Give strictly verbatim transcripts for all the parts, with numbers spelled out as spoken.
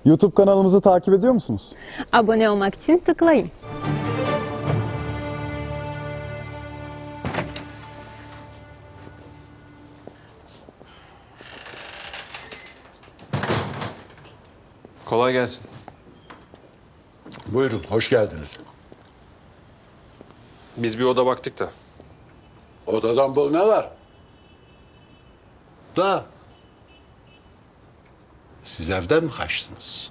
YouTube kanalımızı takip ediyor musunuz? Abone olmak için tıklayın. Kolay gelsin. Buyurun, hoş geldiniz. Biz bir oda baktık da. Odadan bol ne var? Da. Siz evden mi kaçtınız?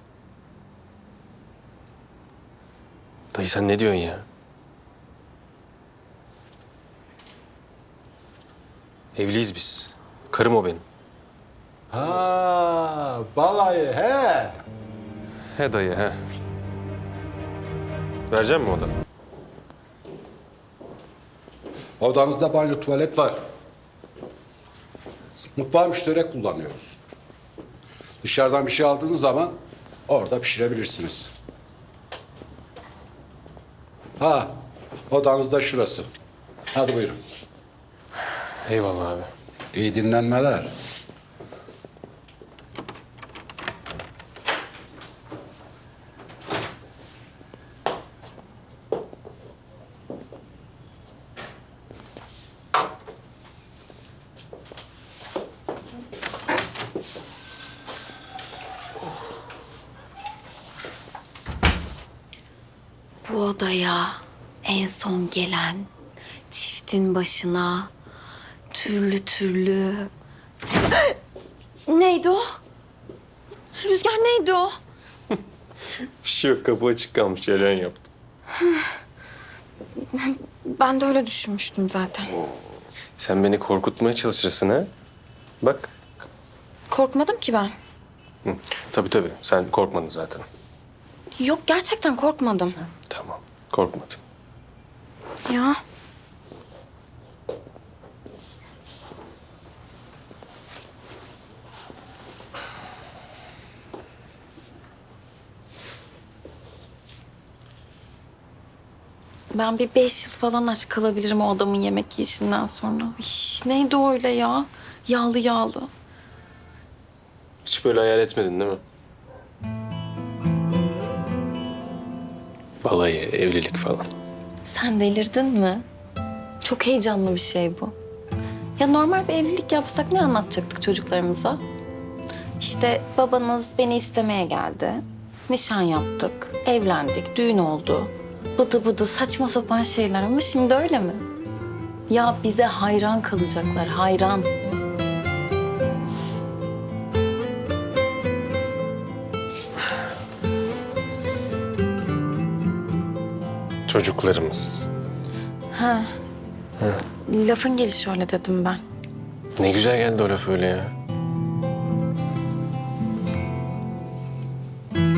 Dayı sen ne diyorsun ya? Evliyiz biz. Karım o benim. Ha, balayı he. He dayı he. Vereceğim mi oda? Odanızda banyo, tuvalet var. Mutfağı müşterek kullanıyoruz. Dışarıdan bir şey aldığınız zaman orada pişirebilirsiniz. Ha, odanız da şurası. Hadi buyurun. Eyvallah abi. İyi dinlenmeler. Bu odaya en son gelen çiftin başına türlü türlü... Neydi o? Rüzgar neydi o? Bir şey yok, kapı açık kalmış. Ceren yaptı. Ben de öyle düşünmüştüm zaten. Sen beni korkutmaya çalışırsın ha? Bak. Korkmadım ki ben. Hı. Tabii tabii. Sen korkmadın zaten. Yok gerçekten korkmadım. Tamam. Korkmadın. Ya. Ben bir beş yıl falan aç kalabilirim o adamın yemek yiyişinden sonra. İş, neydi o öyle ya? Yağlı yağlı. Hiç böyle hayal etmedin değil mi? Balayı, evlilik falan. Sen delirdin mi? Çok heyecanlı bir şey bu. Ya normal bir evlilik yapsak ne anlatacaktık çocuklarımıza? İşte babanız beni istemeye geldi. Nişan yaptık, evlendik, düğün oldu. Bıdı bıdı saçma sapan şeyler ama şimdi öyle mi? Ya bize hayran kalacaklar, hayran. Çocuklarımız. Ha. Lafın gelişi öyle dedim ben. Ne güzel geldi o laf öyle ya.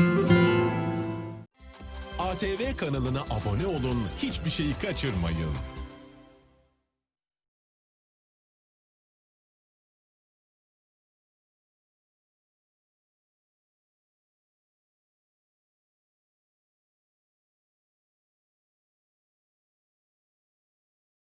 A T V kanalına abone olun, hiçbir şeyi kaçırmayın.